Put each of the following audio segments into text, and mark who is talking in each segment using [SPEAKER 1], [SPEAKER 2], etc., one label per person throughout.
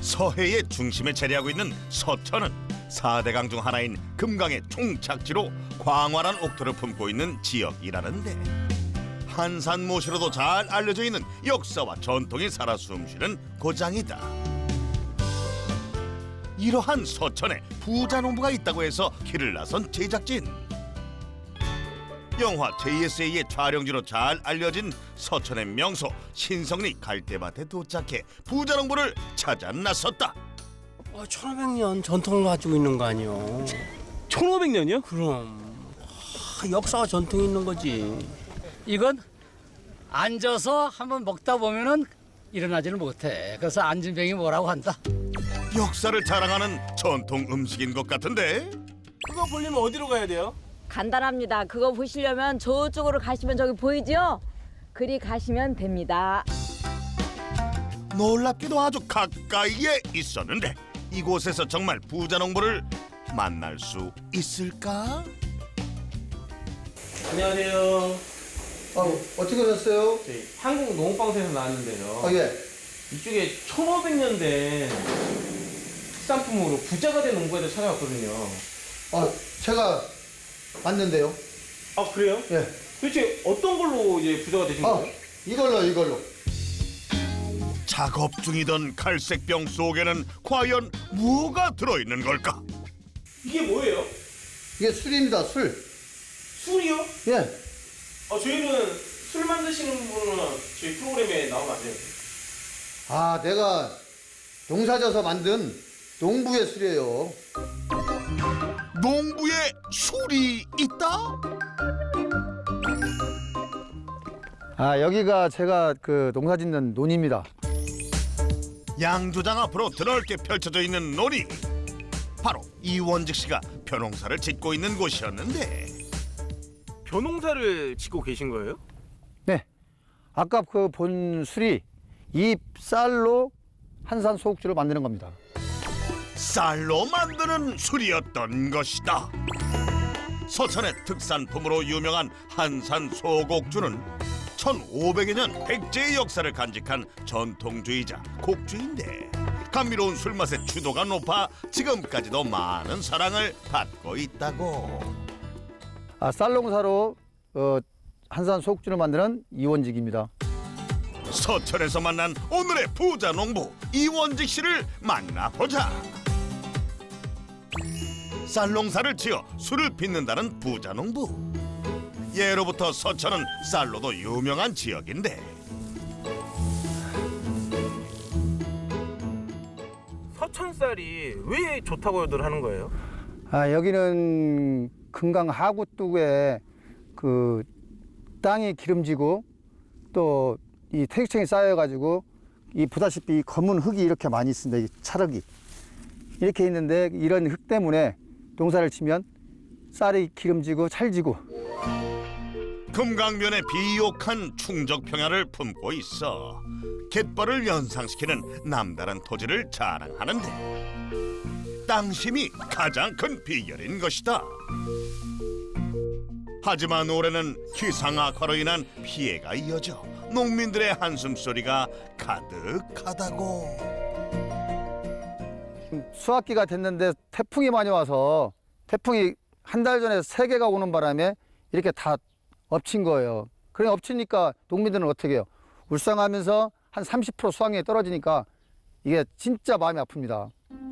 [SPEAKER 1] 서해의 중심에 자리하고 있는 서천은 4대강 중 하나인 금강의 총착지로 광활한 옥토를 품고 있는 지역이라는데 한산모시로도 잘 알려져 있는 역사와 전통이 살아 숨쉬는 고장이다. 이러한 서천에 부자농부가 있다고 해서 길을 나선 제작진. 영화 JSA의 촬영지로 잘 알려진 서천의 명소 신성리 갈대밭에 도착해 부자농부를 찾아 나섰다.
[SPEAKER 2] 1500년 전통을 가지고 있는 거 아니요?
[SPEAKER 3] 1500년이요?
[SPEAKER 2] 그럼 역사와 전통이 있는 거지.
[SPEAKER 4] 이건 앉아서 한번 먹다 보면은 일어나지를 못해. 그래서 앉은 병이 뭐라고 한다.
[SPEAKER 1] 역사를 자랑하는 전통 음식인 것 같은데?
[SPEAKER 3] 그거 보려면 어디로 가야 돼요?
[SPEAKER 5] 간단합니다. 그거 보시려면 저쪽으로 가시면 저기 보이죠? 그리 가시면 됩니다.
[SPEAKER 1] 놀랍게도 아주 가까이에 있었는데 이곳에서 정말 부자농부를 만날 수 있을까?
[SPEAKER 3] 안녕하세요.
[SPEAKER 6] 어떻게 오셨어요?
[SPEAKER 3] 저희 한국 농업방송에서 나왔는데요.
[SPEAKER 6] 예.
[SPEAKER 3] 이쪽에 1500년 된 특산품으로 부자가 된 농부에 대해 찾아왔거든요.
[SPEAKER 6] 제가 왔는데요.
[SPEAKER 3] 아, 그래요?
[SPEAKER 6] 예.
[SPEAKER 3] 도대체 어떤 걸로 이제 부자가 되신 거예요?
[SPEAKER 6] 이걸로.
[SPEAKER 1] 작업 중이던 갈색병 속에는 과연 뭐가 들어있는 걸까?
[SPEAKER 3] 이게 뭐예요?
[SPEAKER 6] 이게 술입니다, 술.
[SPEAKER 3] 술이요?
[SPEAKER 6] 예.
[SPEAKER 3] 저희는 술 만드시는 분은 저희 프로그램에 나오면 안 돼요.
[SPEAKER 6] 내가 농사져서 만든 농부의 술이에요.
[SPEAKER 1] 농부에 술이 있다?
[SPEAKER 6] 여기가 제가 그 농사짓는 논입니다.
[SPEAKER 1] 양조장 앞으로 드넓게 펼쳐져 있는 논이 바로 이원직 씨가 벼농사를 짓고 있는 곳이었는데
[SPEAKER 3] 벼농사를 짓고 계신 거예요?
[SPEAKER 6] 네. 아까 그 본 술이 이 쌀로 한산 소국주를 만드는 겁니다.
[SPEAKER 1] 쌀로 만드는 술이었던 것이다. 서천의 특산품으로 유명한 한산 소곡주는 1500여 년 백제의 역사를 간직한 전통주의자 곡주인데 감미로운 술맛의 주도가 높아 지금까지도 많은 사랑을 받고 있다고.
[SPEAKER 6] 쌀 농사로 한산 소국주를 만드는 이원직입니다.
[SPEAKER 1] 서천에서 만난 오늘의 부자 농부 이원직 씨를 만나보자. 쌀 농사를 지어 술을 빚는다는 부자 농부. 예로부터 서천은 쌀로도 유명한 지역인데
[SPEAKER 3] 서천쌀이 왜 좋다고들 하는 거예요?
[SPEAKER 6] 여기는 금강 하구뚝에 그 땅이 기름지고 또 이 태극층이 쌓여가지고 이 보다시피 이 검은 흙이 이렇게 많이 있습니다. 이 찰흙이 이렇게 있는데 이런 흙 때문에 농사를 치면 쌀이 기름지고 찰지고.
[SPEAKER 1] 금강면의 비옥한 충적 평야를 품고 있어 갯벌을 연상시키는 남다른 토지를 자랑하는데 땅심이 가장 큰 비결인 것이다. 하지만 올해는 기상악화로 인한 피해가 이어져 농민들의 한숨소리가 가득하다고.
[SPEAKER 6] 수확기가 됐는데 태풍이 많이 와서 태풍이 한 달 전에 3개가 오는 바람에 이렇게 다 엎친 거예요. 그래 엎치니까 농민들은 어떻게 해요? 울상하면서 한 30% 수확량이 떨어지니까 이게 진짜 마음이 아픕니다.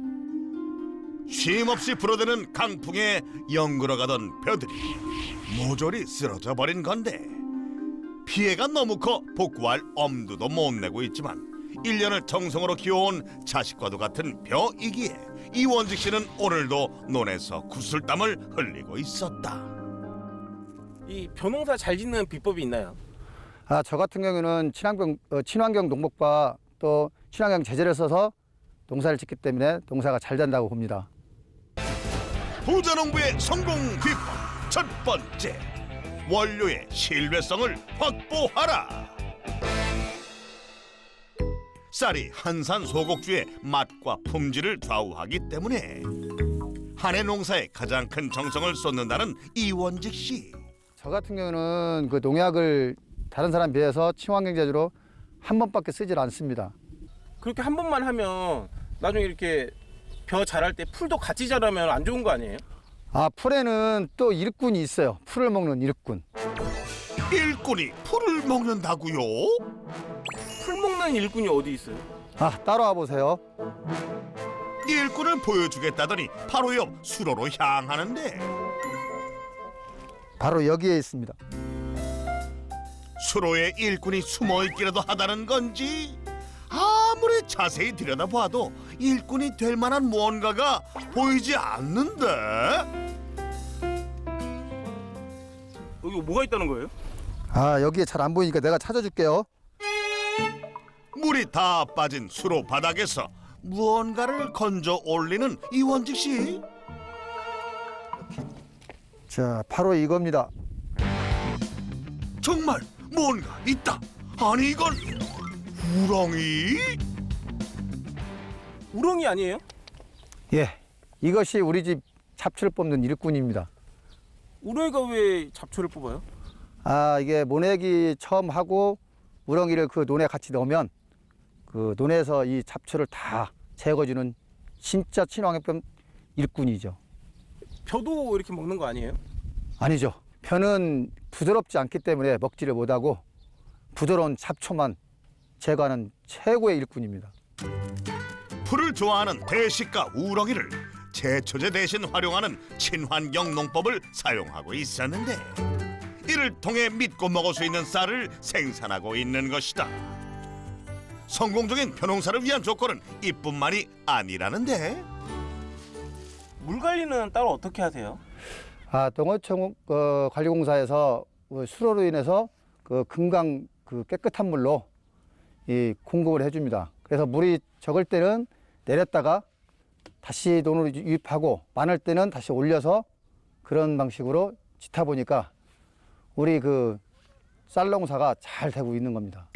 [SPEAKER 1] 쉼없이 불어대는 강풍에 연그러가던 벼들이 모조리 쓰러져 버린 건데 피해가 너무 커 복구할 엄두도 못 내고 있지만 1년을 정성으로 키워온 자식과도 같은 벼이기에 이원직 씨는 오늘도 논에서 구슬땀을 흘리고 있었다.
[SPEAKER 3] 이 벼농사 잘 짓는 비법이 있나요?
[SPEAKER 6] 저 같은 경우는 친환경 농법과 또 친환경 제재를 써서 농사를 짓기 때문에 농사가 잘 된다고 봅니다.
[SPEAKER 1] 부자농부의 성공 비법 첫 번째, 원료의 신뢰성을 확보하라. 쌀이 한산 소곡주의 맛과 품질을 좌우하기 때문에 한 해 농사에 가장 큰 정성을 쏟는다는 이원직 씨.
[SPEAKER 6] 저 같은 경우는 그 농약을 다른 사람 비해서 친환경 제조로 한 번밖에 쓰질 않습니다.
[SPEAKER 3] 그렇게 한 번만 하면 나중에 이렇게 벼 자랄 때 풀도 같이 자라면 안 좋은 거 아니에요?
[SPEAKER 6] 아, 풀에는 또 일꾼이 있어요. 풀을 먹는 일꾼.
[SPEAKER 1] 일꾼이 풀을 먹는다고요?
[SPEAKER 3] 풀 먹는 일꾼이 어디 있어요?
[SPEAKER 6] 아, 따라와 보세요.
[SPEAKER 1] 일꾼을 보여주겠다더니 바로 옆 수로로 향하는데
[SPEAKER 6] 바로 여기에 있습니다.
[SPEAKER 1] 수로에 일꾼이 숨어있기라도 하다는 건지 아무리 자세히 들여다봐도 일꾼이 될 만한 무언가가 보이지 않는데
[SPEAKER 3] 여기 뭐가 있다는 거예요?
[SPEAKER 6] 아, 여기에 잘 안 보이니까 내가 찾아줄게요.
[SPEAKER 1] 물이 다 빠진 수로 바닥에서 무언가를 건져 올리는 이원직 씨.
[SPEAKER 6] 자, 바로 이겁니다.
[SPEAKER 1] 정말 뭔가 있다. 아니 이건 우렁이?
[SPEAKER 3] 우렁이 아니에요?
[SPEAKER 6] 예, 이것이 우리 집 잡초를 뽑는 일꾼입니다.
[SPEAKER 3] 우렁이가 왜 잡초를 뽑아요?
[SPEAKER 6] 아, 이게 모내기 처음 하고 우렁이를 그 논에 같이 넣으면 그 논에서 이 잡초를 다 제거해주는 진짜 친환경병 일꾼이죠.
[SPEAKER 3] 벼도 이렇게 먹는 거 아니에요?
[SPEAKER 6] 아니죠. 벼는 부드럽지 않기 때문에 먹지를 못하고 부드러운 잡초만 제거하는 최고의 일꾼입니다.
[SPEAKER 1] 풀을 좋아하는 대식가 우렁이를 제초제 대신 활용하는 친환경 농법을 사용하고 있었는데 이를 통해 믿고 먹을 수 있는 쌀을 생산하고 있는 것이다. 성공적인 벼농사를 위한 조건은 이뿐만이 아니라는데
[SPEAKER 3] 물 관리는 따로 어떻게 하세요?
[SPEAKER 6] 아, 동어청 관리공사에서 수로로 인해서 그 금강 그 깨끗한 물로 이 공급을 해줍니다. 그래서 물이 적을 때는 내렸다가 다시 논으로 유입하고 많을 때는 다시 올려서 그런 방식으로 짓다 보니까 우리 그 쌀농사가 잘 되고 있는 겁니다.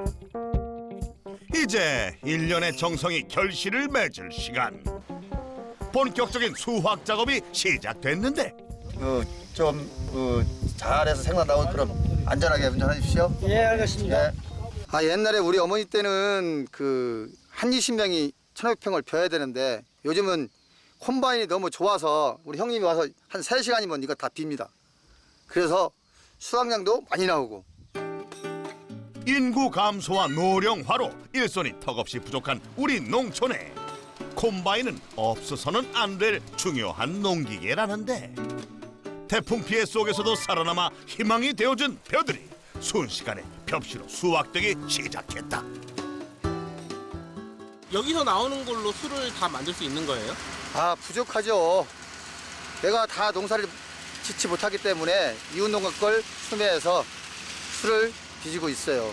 [SPEAKER 1] 이제 1년의 정성이 결실을 맺을 시간. 본격적인 수확 작업이 시작됐는데
[SPEAKER 6] 좀 잘해서 생각 나온 그럼 안전하게 운전해 주십시오.
[SPEAKER 2] 예, 알겠습니다.
[SPEAKER 6] 아, 옛날에 우리 어머니 때는 그 한 20명이 1,500평을 벼야 되는데 요즘은 콤바인이 너무 좋아서 우리 형님이 와서 한 3시간이면 이거 다 빕니다. 그래서 수확량도 많이 나오고.
[SPEAKER 1] 인구 감소와 노령화로 일손이 턱없이 부족한 우리 농촌에 콤바인은 없어서는 안 될 중요한 농기계라는데 태풍 피해 속에서도 살아남아 희망이 되어준 벼들이 순식간에 벽시로 수확되기 시작했다.
[SPEAKER 3] 여기서 나오는 걸로 술을 다 만들 수 있는 거예요?
[SPEAKER 6] 아, 부족하죠. 내가 다 농사를 짓지 못하기 때문에 이웃 농가 걸 수매해서 술을 빚고 있어요.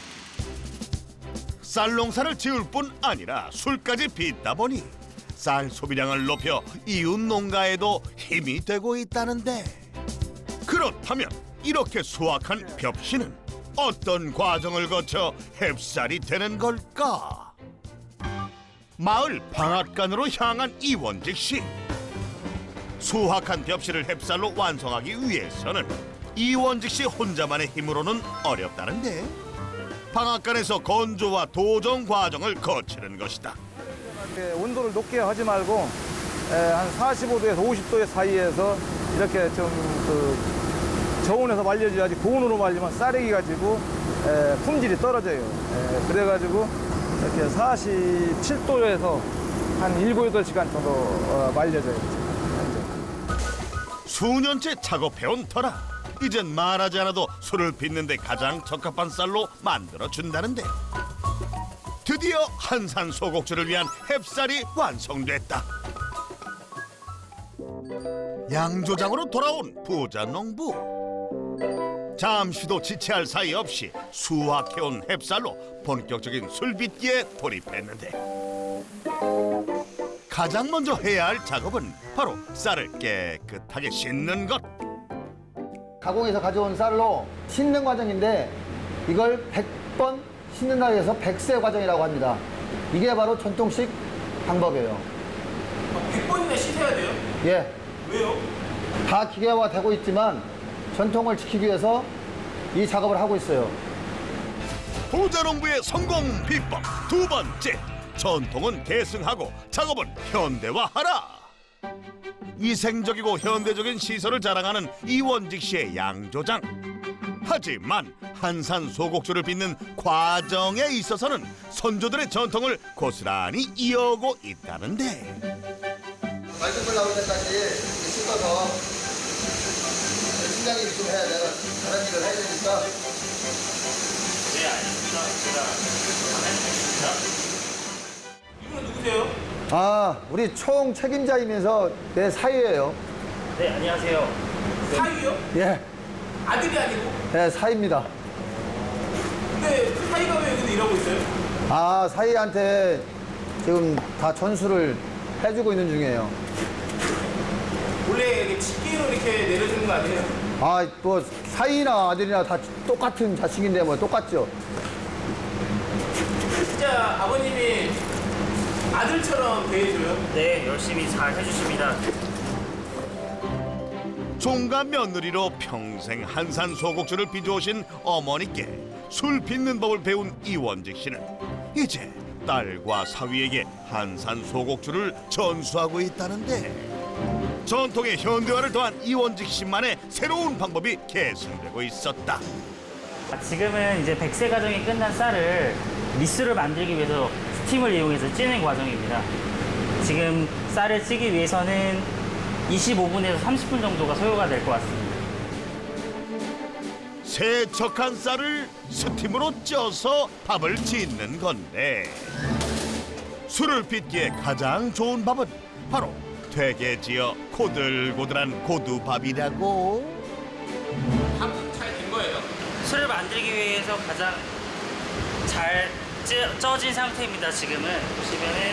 [SPEAKER 1] 쌀 농사를 지을 뿐 아니라 술까지 빚다 보니 쌀 소비량을 높여 이웃 농가에도 힘이 되고 있다는데 그렇다면 이렇게 수확한 벽시는 어떤 과정을 거쳐 햅쌀이 되는 걸까? 마을 방앗간으로 향한 이원직 씨. 수확한 벽시를 햅쌀로 완성하기 위해서는 이원직 씨 혼자만의 힘으로는 어렵다는데 방앗간에서 건조와 도정 과정을 거치는 것이다.
[SPEAKER 7] 온도를 높게 하지 말고 한 45도에서 50도 사이에서 이렇게 좀 저온에서 말려줘야지 고온으로 말리면 쌀이 가지고 품질이 떨어져요. 그래가지고 이렇게 47도에서 한 7, 8시간 정도 말려줘요.
[SPEAKER 1] 수년째 작업해온 터라 이젠 말하지 않아도 술을 빚는데 가장 적합한 쌀로 만들어준다는데 드디어 한산 소곡주를 위한 햅쌀이 완성됐다. 양조장으로 돌아온 부자 농부. 잠시도 지체할 사이 없이 수확해온 햅쌀로 본격적인 술빚기에 돌입했는데 가장 먼저 해야 할 작업은 바로 쌀을 깨끗하게 씻는 것.
[SPEAKER 6] 가공해서 가져온 쌀로 씻는 과정인데 이걸 100번 씻는다 해서 백세 과정이라고 합니다. 이게 바로 전통식 방법이에요.
[SPEAKER 3] 100번이나 씻어야 돼요?
[SPEAKER 6] 예.
[SPEAKER 3] 왜요?
[SPEAKER 6] 다 기계화되고 있지만 전통을 지키기 위해서 이 작업을 하고 있어요.
[SPEAKER 1] 부자 농부의 성공 비법 두 번째, 전통은 계승하고 작업은 현대화하라. 위생적이고 현대적인 시설을 자랑하는 이원직 씨의 양조장. 하지만 한산 소곡주를 빚는 과정에 있어서는 선조들의 전통을 고스란히 이어오고 있다는데,
[SPEAKER 6] 맑은 물 나올 때까지 씻어서 팀장님이 좀 해야 내가 다른 일을 해야 되니까.
[SPEAKER 3] 네, 알겠습니다. 제가 하겠습니다. 이분은 누구세요?
[SPEAKER 6] 아, 우리 총 책임자이면서 내 사위예요.
[SPEAKER 3] 네, 안녕하세요. 사위요?
[SPEAKER 6] 예,
[SPEAKER 3] 아들이 아니고?
[SPEAKER 6] 네, 사위입니다.
[SPEAKER 3] 근데 그 사위가 왜 여기서 일하고 있어요?
[SPEAKER 6] 아, 사위한테 지금 다 전수를 해주고 있는 중이에요.
[SPEAKER 3] 원래 이렇게 직계로 이렇게 내려주는 거 아니에요?
[SPEAKER 6] 아, 뭐 사위나 아들이나 다 똑같은 자식인데 뭐 똑같죠.
[SPEAKER 3] 진짜 아버님이 아들처럼 대해줘요?
[SPEAKER 8] 네, 열심히 잘 해주십니다.
[SPEAKER 1] 종가 며느리로 평생 한산 소곡주를 빚어오신 어머니께 술 빚는 법을 배운 이원직 씨는 이제 딸과 사위에게 한산 소곡주를 전수하고 있다는데, 전통의 현대화를 더한 이원직 씨만의 새로운 방법이 계승되고 있었다.
[SPEAKER 8] 지금은 이제 백세 과정이 끝난 쌀을 미술을 만들기 위해서 스팀을 이용해서 찌는 과정입니다. 지금 쌀을 찌기 위해서는 25분에서 30분 정도가 소요가 될 것 같습니다.
[SPEAKER 1] 세척한 쌀을 스팀으로 쪄서 밥을 짓는 건데, 술을 빚기에 가장 좋은 밥은 바로 되게 지어 고들고들한 고두밥이라고.
[SPEAKER 3] 밥은 잘 된 거예요?
[SPEAKER 8] 술을 만들기 위해서 가장 잘 쪄진 상태입니다. 지금은 보시면은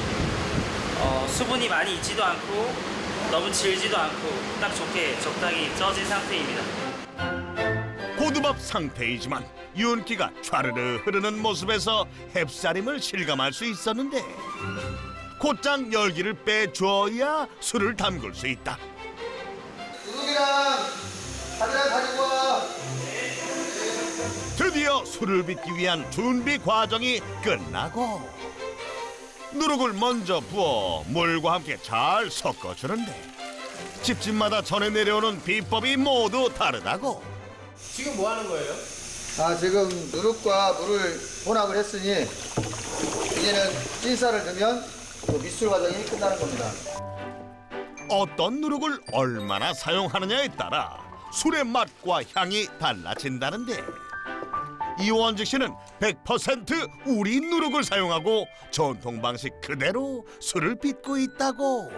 [SPEAKER 8] 수분이 많이 있지도 않고 너무 질지도 않고 딱 좋게 적당히 쪄진 상태입니다.
[SPEAKER 1] 고두밥 상태이지만 윤기가 촤르르 흐르는 모습에서 햅쌀임을 실감할 수 있었는데, 곧장 열기를 빼줘야 술을 담글 수 있다.
[SPEAKER 6] 누룩이랑 바지락 가지고 와.
[SPEAKER 1] 드디어 술을 빚기 위한 준비 과정이 끝나고 누룩을 먼저 부어 물과 함께 잘 섞어주는데, 집집마다 전해 내려오는 비법이 모두 다르다고.
[SPEAKER 3] 지금 뭐 하는 거예요?
[SPEAKER 6] 아, 지금 누룩과 물을 혼합을 했으니 이제는 찐쌀을 넣으면 그 미술 과정이 끝나는 겁니다.
[SPEAKER 1] 어떤 누룩을 얼마나 사용하느냐에 따라 술의 맛과 향이 달라진다는데, 이원직 씨는 100% 우리 누룩을 사용하고 전통 방식 그대로 술을 빚고 있다고.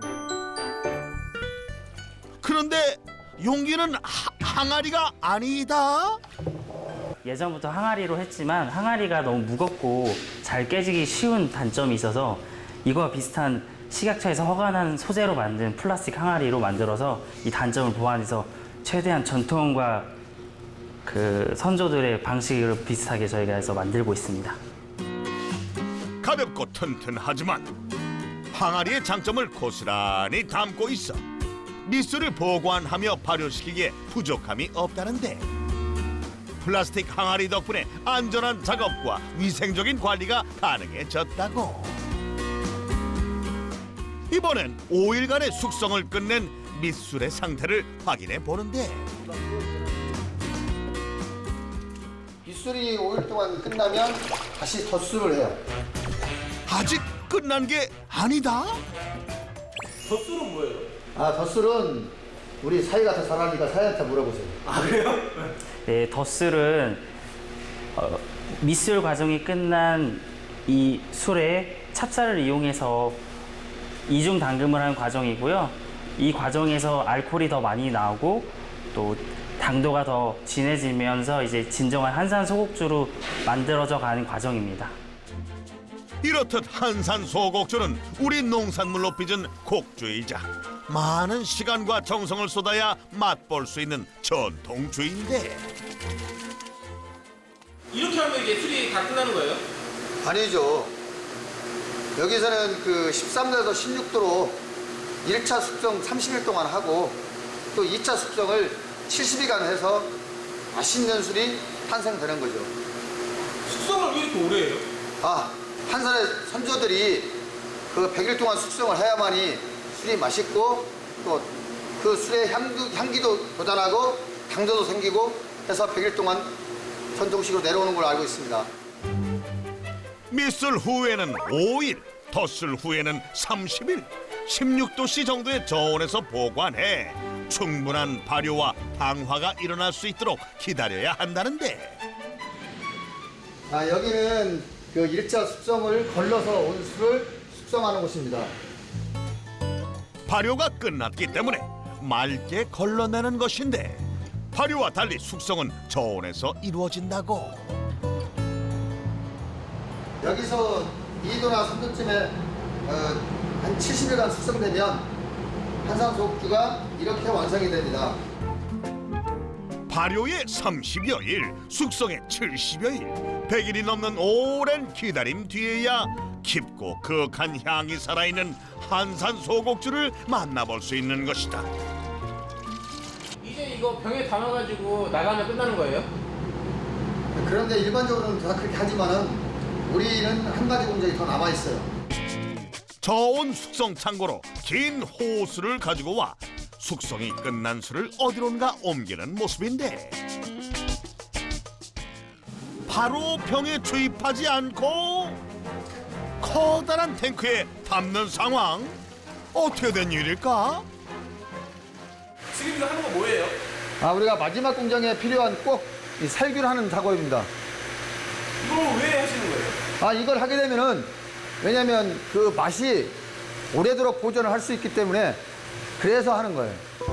[SPEAKER 1] 그런데 용기는 항아리가 아니다.
[SPEAKER 8] 예전부터 항아리로 했지만 항아리가 너무 무겁고 잘 깨지기 쉬운 단점이 있어서 이거와 비슷한 식약처에서 허가난 소재로 만든 플라스틱 항아리로 만들어서 이 단점을 보완해서 최대한 전통과 그 선조들의 방식을 비슷하게 저희가 해서 만들고 있습니다.
[SPEAKER 1] 가볍고 튼튼하지만 항아리의 장점을 고스란히 담고 있어 미술을 보관하며 발효시키기에 부족함이 없다는데, 플라스틱 항아리 덕분에 안전한 작업과 위생적인 관리가 가능해졌다고. 이번엔 5일간의 숙성을 끝낸 밑술의 상태를 확인해 보는데,
[SPEAKER 6] 밑술이 5일 동안 끝나면 다시 덧술을 해요.
[SPEAKER 1] 아직 끝난 게 아니다?
[SPEAKER 3] 덧술은 뭐예요?
[SPEAKER 6] 아, 덧술은 우리 사이가 더 잘하니까 사이한테 물어보세요.
[SPEAKER 3] 아, 그래요?
[SPEAKER 8] 네, 덧술은 밑술 과정이 끝난 이 술에 찹쌀을 이용해서 이중 담금을 하는 과정이고요. 이 과정에서 알코올이 더 많이 나오고 또 당도가 더 진해지면서 이제 진정한 한산 소곡주로 만들어져 가는 과정입니다.
[SPEAKER 1] 이렇듯 한산 소곡주는 우리 농산물로 빚은 곡주이자 많은 시간과 정성을 쏟아야 맛볼 수 있는 전통주인데,
[SPEAKER 3] 이렇게 하면 이게 술이 다 끝나는 거예요?
[SPEAKER 6] 아니죠. 여기서는 그 13도에서 16도로 1차 숙성 30일 동안 하고 또 2차 숙성을 70일간 해서 맛있는 술이 탄생되는 거죠.
[SPEAKER 3] 숙성을 왜 이렇게 오래 해요?
[SPEAKER 6] 아, 한산의 선조들이 그 100일 동안 숙성을 해야만이 술이 맛있고 또 그 술의 향기도 돋아나고 당도도 생기고 해서 100일 동안 전통식으로 내려오는 걸로 알고 있습니다.
[SPEAKER 1] 밑술 후에는 5일, 덧술 후에는 30일, 16도씨 정도의 저온에서 보관해 충분한 발효와 방화가 일어날 수 있도록 기다려야 한다는데,
[SPEAKER 6] 여기는 그 일자 숙성을 걸러서 온 술을 숙성하는 곳입니다.
[SPEAKER 1] 발효가 끝났기 때문에 맑게 걸러내는 것인데, 발효와 달리 숙성은 저온에서 이루어진다고.
[SPEAKER 6] 여기서 2도나 3도쯤에 한 70일간 숙성되면 한산소옥주가 이렇게 완성이 됩니다.
[SPEAKER 1] 발효에 30여 일, 숙성에 70여 일, 100일이 넘는 오랜 기다림 뒤에야 깊고 그윽한 향이 살아있는 한산 소곡주를 만나볼 수 있는 것이다.
[SPEAKER 3] 이제 이거 병에 담아가지고 나가면 끝나는 거예요?
[SPEAKER 6] 그런데 일반적으로는 다 그렇게 하지만은 우리는 한 가지 공정이 더 남아 있어요.
[SPEAKER 1] 저온 숙성 창고로 긴 호수를 가지고 와 숙성이 끝난 술을 어디론가 옮기는 모습인데, 바로 병에 주입하지 않고 커다란 탱크에 담는 상황. 어떻게 된 일일까?
[SPEAKER 3] 지금 이거 하는 거 뭐예요?
[SPEAKER 6] 우리가 마지막 공정에 필요한 꼭 이 살균을 하는 작업입니다.
[SPEAKER 3] 이거 왜 하시는 거예요?
[SPEAKER 6] 이걸 하게 되면은 왜냐면 그 맛이 오래도록 보존을 할 수 있기 때문에 그래서 하는 거예요.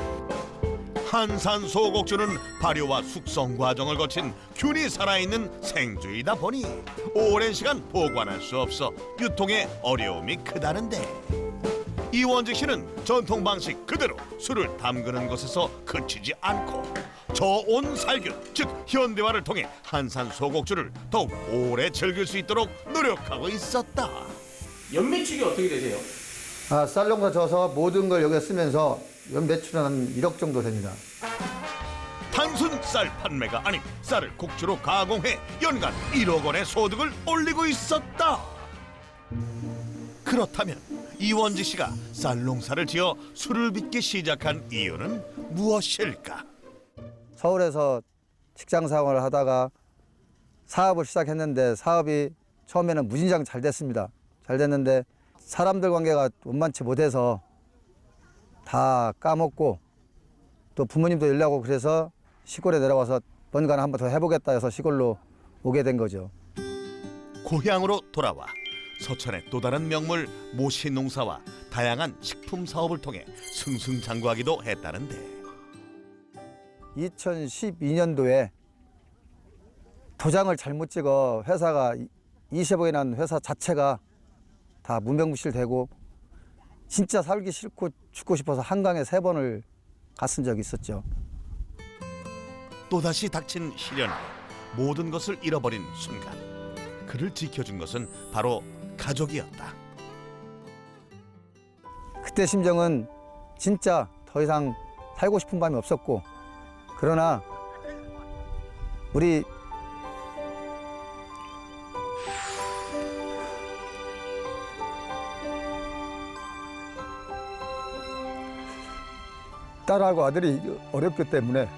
[SPEAKER 1] 한산 소곡주는 발효와 숙성 과정을 거친 균이 살아있는 생주이다 보니 오랜 시간 보관할 수 없어 유통에 어려움이 크다는데, 이원직 씨는 전통 방식 그대로 술을 담그는 것에서 그치지 않고 저온 살균, 즉 현대화를 통해 한산 소곡주를 더욱 오래 즐길 수 있도록 노력하고 있었다.
[SPEAKER 3] 연매출이 어떻게 되세요?
[SPEAKER 6] 쌀농사 져서 모든 걸 여기에 쓰면서 연 매출은 한 1억 정도 됩니다.
[SPEAKER 1] 단순 쌀 판매가 아닌 쌀을 곡주로 가공해 연간 1억 원의 소득을 올리고 있었다. 그렇다면 이원지 씨가 쌀 농사를 지어 술을 빚기 시작한 이유는 무엇일까?
[SPEAKER 6] 서울에서 직장 생활을 하다가 사업을 시작했는데 사업이 처음에는 무진장 잘 됐습니다. 잘 됐는데 사람들 관계가 원만치 못해서 다 까먹고 또 부모님도 일하고 그래서 시골에 내려와서 뭔가는 한번 더 해보겠다 해서 시골로 오게 된 거죠.
[SPEAKER 1] 고향으로 돌아와 서천의 또 다른 명물 모시 농사와 다양한 식품 사업을 통해 승승장구하기도 했다는데,
[SPEAKER 6] 2012년도에 도장을 잘못 찍어 회사가 20억이 난 회사 자체가 다 문명무실되고 진짜 살기 싫고 죽고 싶어서 한강에 3번을 갔은 적이 있었죠.
[SPEAKER 1] 또다시 닥친 시련에 모든 것을 잃어버린 순간, 그를 지켜준 것은 바로 가족이었다.
[SPEAKER 6] 그때 심정은 진짜 더 이상 살고 싶은 밤이 없었고, 그러나 우리 딸하고 아들이 어렵기 때문에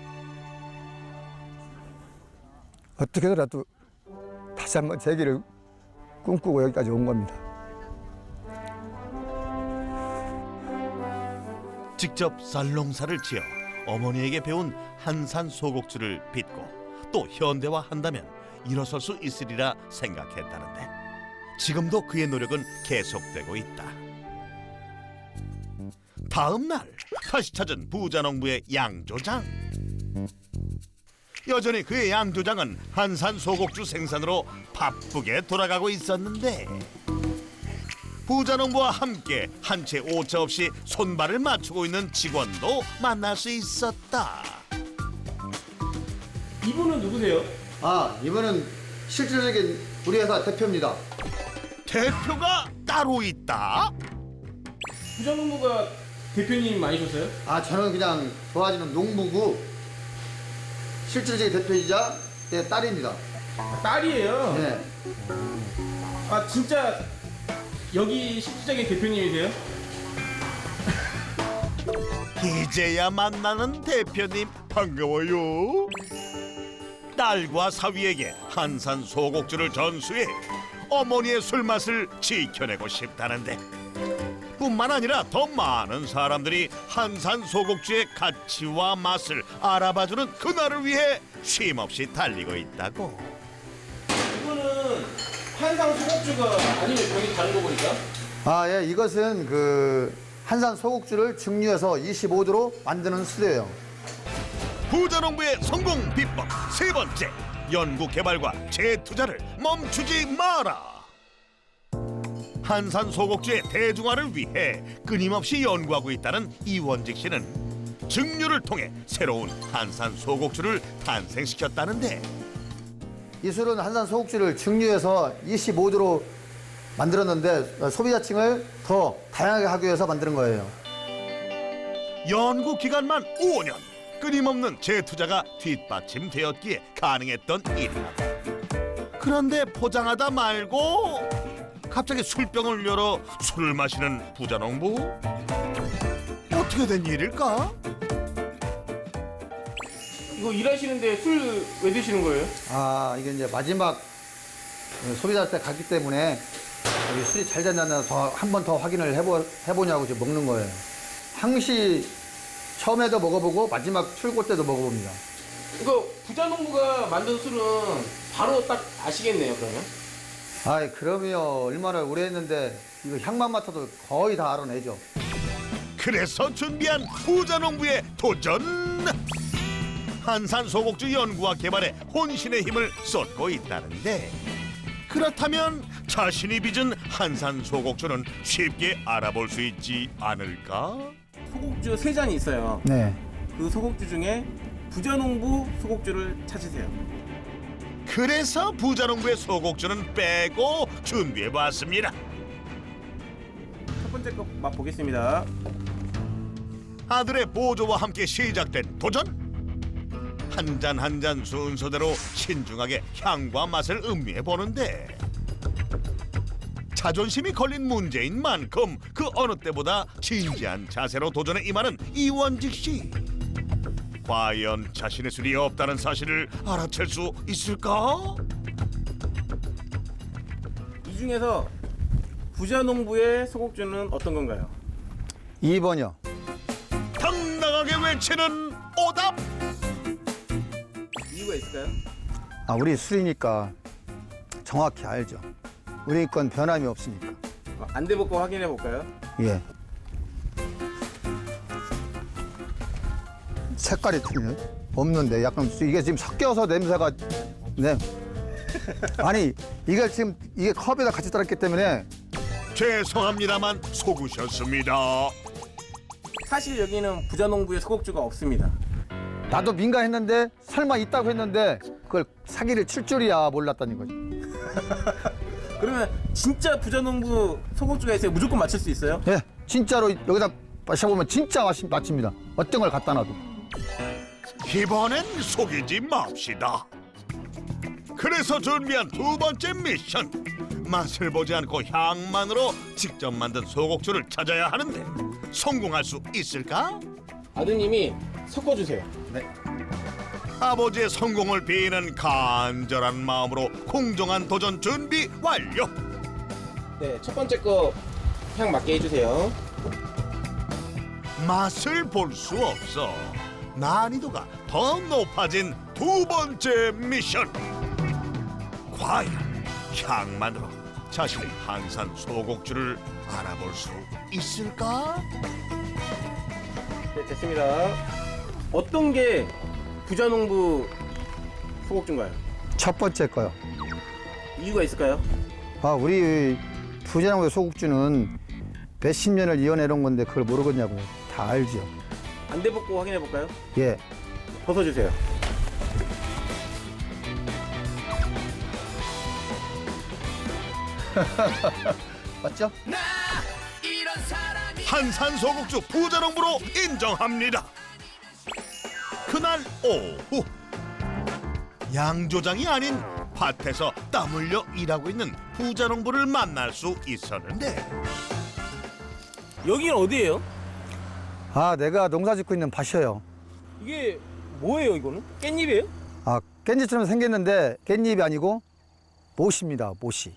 [SPEAKER 6] 어떻게라도 다시 한번 재기를 꿈꾸고 여기까지 온 겁니다.
[SPEAKER 1] 직접 쌀농사를 지어 어머니에게 배운 한산 소곡주를 빚고 또 현대화한다면 일어설 수 있으리라 생각했다는데, 지금도 그의 노력은 계속되고 있다. 다음 날 다시 찾은 부자농부의 양조장. 여전히 그의 양조장은 한산 소곡주 생산으로 바쁘게 돌아가고 있었는데, 부자농부와 함께 한 채 오차 없이 손발을 맞추고 있는 직원도 만날 수 있었다.
[SPEAKER 3] 이분은 누구세요?
[SPEAKER 6] 이분은 실질적인 우리 회사 대표입니다.
[SPEAKER 1] 대표가 따로 있다?
[SPEAKER 3] 부자농부가 대표님 아니셨어요?
[SPEAKER 6] 저는 그냥 도와주는 농부고 실질적인 대표이자 내 딸입니다.
[SPEAKER 3] 딸이에요?
[SPEAKER 6] 네.
[SPEAKER 3] 아 진짜 여기 실질적인 대표님이세요?
[SPEAKER 1] 이제야 만나는 대표님 반가워요. 딸과 사위에게 한산 소곡주를 전수해 어머니의 술맛을 지켜내고 싶다는데 뿐만 아니라 더 많은 사람들이 한산 소곡주의 가치와 맛을 알아봐주는 그날을 위해 쉼없이 달리고 있다고.
[SPEAKER 3] 이거는 한상 소곡주가 아니면 병이 다른 거 보니까?
[SPEAKER 6] 아, 예, 이것은 그 한산 소곡주를 증류해서 25도로 만드는 수제예요.
[SPEAKER 1] 부자농부의 성공 비법 세 번째, 연구 개발과 재투자를 멈추지 마라. 한산 소곡주의 대중화를 위해 끊임없이 연구하고 있다는 이원직 씨는 증류를 통해 새로운 한산 소곡주를 탄생시켰다는데,
[SPEAKER 6] 이 술은 한산 소곡주를 증류해서 25도로 만들었는데 소비자층을 더 다양하게 하기 위해서 만드는 거예요.
[SPEAKER 1] 연구 기간만 5년, 끊임없는 재투자가 뒷받침되었기에 가능했던 일이라고. 그런데 포장하다 말고 갑자기 술병을 열어 술을 마시는 부자농부? 어떻게 된 일일까?
[SPEAKER 3] 이거 일하시는데 술 왜 드시는 거예요?
[SPEAKER 6] 아, 이게 이제 마지막 소비자한테 갔기 때문에 여기 술이 잘 됐나 한 번 더 확인을 해보냐고 지금 먹는 거예요. 항시 처음에도 먹어보고 마지막 출고 때도 먹어봅니다.
[SPEAKER 3] 이거 부자농부가 만든 술은 바로 딱 아시겠네요, 그러면?
[SPEAKER 6] 아이, 그럼요. 얼마나 오래 했는데 이거 향만 맡아도 거의 다 알아내죠.
[SPEAKER 1] 그래서 준비한 부자농부의 도전! 한산 소곡주 연구와 개발에 혼신의 힘을 쏟고 있다는데, 그렇다면 자신이 빚은 한산 소곡주는 쉽게 알아볼 수 있지 않을까?
[SPEAKER 3] 소곡주 3잔이 있어요.
[SPEAKER 6] 네.
[SPEAKER 3] 그 소곡주 중에 부자농부 소곡주를 찾으세요.
[SPEAKER 1] 그래서 부자농부의 소곡주는 빼고 준비해봤습니다.
[SPEAKER 3] 첫 번째 거 맛보겠습니다.
[SPEAKER 1] 아들의 보조와 함께 시작된 도전. 한 잔 한 잔 순서대로 신중하게 향과 맛을 음미해 보는데, 자존심이 걸린 문제인 만큼 그 어느 때보다 진지한 자세로 도전에 임하는 이원직 씨. 과연 자신의 술이 없다는 사실을 알아챌 수 있을까?
[SPEAKER 3] 이 중에서 부자농부의 소곡주는 어떤 건가요?
[SPEAKER 6] 2번이요.
[SPEAKER 1] 당당하게 외치는 오답.
[SPEAKER 3] 이유가 있을까요?
[SPEAKER 6] 아, 우리 술이니까 정확히 알죠. 우리 건 변함이 없으니까.
[SPEAKER 3] 안대 벗고 확인해 볼까요?
[SPEAKER 6] 예. 색깔이 틀리네. 없는데 약간 이게 지금 섞여서 냄새가 네. 아니, 이게 지금 이게 컵에다 같이 따랐기 때문에
[SPEAKER 1] 죄송합니다만 속으셨습니다.
[SPEAKER 3] 사실 여기는 부자농부의 소곡주가 없습니다.
[SPEAKER 6] 나도 민감했는데 설마 있다고 했는데 그걸 사기를 칠 줄이야 몰랐다는 거지.
[SPEAKER 3] 그러면 진짜 부자농부 소곡주가 있어요? 무조건 맞출 수 있어요?
[SPEAKER 6] 예, 진짜로 여기다 마셔보면 진짜 맛집니다. 어떤 걸 갖다 놔도.
[SPEAKER 1] 이번엔 속이지 맙시다. 그래서 준비한 두 번째 미션. 맛을 보지 않고 향만으로 직접 만든 소곡주를 찾아야 하는데 성공할 수 있을까?
[SPEAKER 3] 아드님이 섞어주세요.
[SPEAKER 1] 아버지의 성공을 비는 간절한 마음으로 공정한 도전 준비 완료.
[SPEAKER 3] 네, 첫 번째 거 향 맞게 해주세요.
[SPEAKER 1] 맛을 볼 수 없어 난이도가 더 높아진 두 번째 미션. 과연 향만으로 자신의 한산 소곡주를 알아볼 수 있을까?
[SPEAKER 3] 네, 됐습니다. 어떤 게 부자농부 소곡주인가요?
[SPEAKER 6] 첫 번째 거요.
[SPEAKER 3] 이유가 있을까요?
[SPEAKER 6] 아, 우리 부자농부의 소국주는 몇십 년을 이어내놓은 건데 그걸 모르겠냐고요. 다 알죠.
[SPEAKER 3] 안대 벗고 확인해 볼까요?
[SPEAKER 6] 예.
[SPEAKER 3] 벗어주세요.
[SPEAKER 6] 맞죠?
[SPEAKER 1] 한산 소곡주 부자농부로 인정합니다. 그날 오후 양조장이 아닌 밭에서 땀 흘려 일하고 있는 부자농부를 만날 수 있었는데
[SPEAKER 3] 여기는 어디예요?
[SPEAKER 6] 아, 내가 농사 짓고 있는 밭이에요.
[SPEAKER 3] 이게 뭐예요, 이거는? 깻잎이에요?
[SPEAKER 6] 아, 깻잎처럼 생겼는데 깻잎이 아니고 모시입니다, 모시.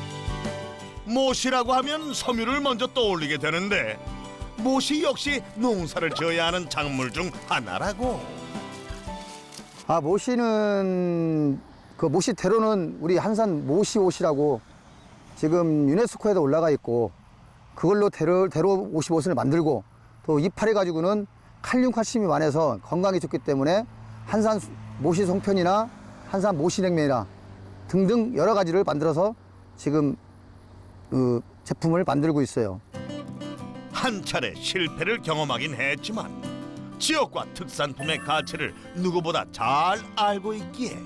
[SPEAKER 1] 모시라고 하면 섬유를 먼저 떠올리게 되는데 모시 역시 농사를 지어야 하는 작물 중 하나라고.
[SPEAKER 6] 아, 모시는 그 모시대로는 우리 한산 모시옷이라고 지금 유네스코에도 올라가 있고 그걸로 대로 55선을 만들고 또 이파리 가지고는 칼륨 칼슘이 많아서 건강에 좋기 때문에 한산 모시 송편이나 한산 모시냉면이나 등등 여러 가지를 만들어서 지금 그 제품을 만들고 있어요.
[SPEAKER 1] 한 차례 실패를 경험하긴 했지만 지역과 특산품의 가치를 누구보다 잘 알고 있기에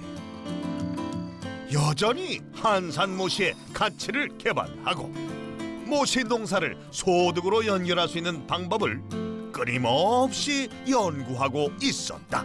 [SPEAKER 1] 여전히 한산 모시의 가치를 개발하고 모시 농사를 소득으로 연결할 수 있는 방법을 끊임없이 연구하고 있었다.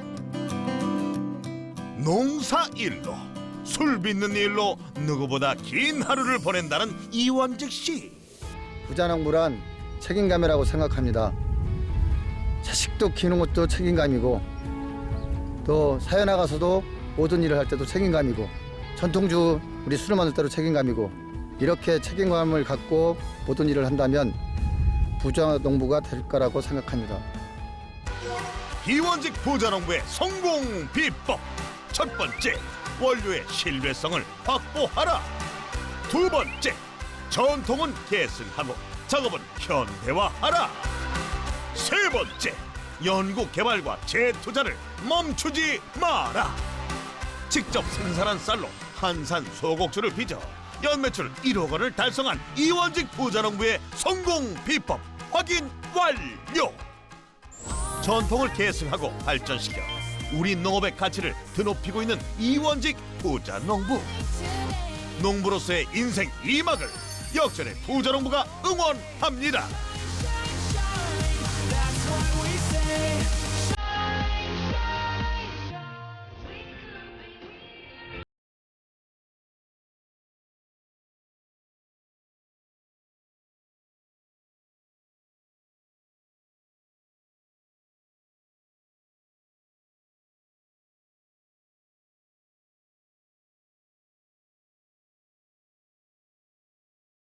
[SPEAKER 1] 농사 일로 술 빚는 일로 누구보다 긴 하루를 보낸다는 이원직 씨.
[SPEAKER 6] 부자농부란 책임감이라고 생각합니다. 자식도 키우는 것도 책임감이고 또 사회 나가서도 모든 일을 할 때도 책임감이고 전통주 우리 술을 만들 때도 책임감이고 이렇게 책임감을 갖고 모든 일을 한다면 부자농부가 될 거라고 생각합니다.
[SPEAKER 1] 이원직 부자농부의 성공 비법. 첫 번째, 원료의 신뢰성을 확보하라. 두 번째, 전통은 계승하고 작업은 현대화하라. 세 번째, 연구 개발과 재투자를 멈추지 마라. 직접 생산한 쌀로 한산 소곡주를 빚어 연매출 1억 원을 달성한 이원직 부자농부의 성공 비법 확인 완료. 전통을 계승하고 발전시켜 우리 농업의 가치를 드높이고 있는 이원직 부자농부. 농부로서의 인생 2막을 역전의 부자농부가 응원합니다.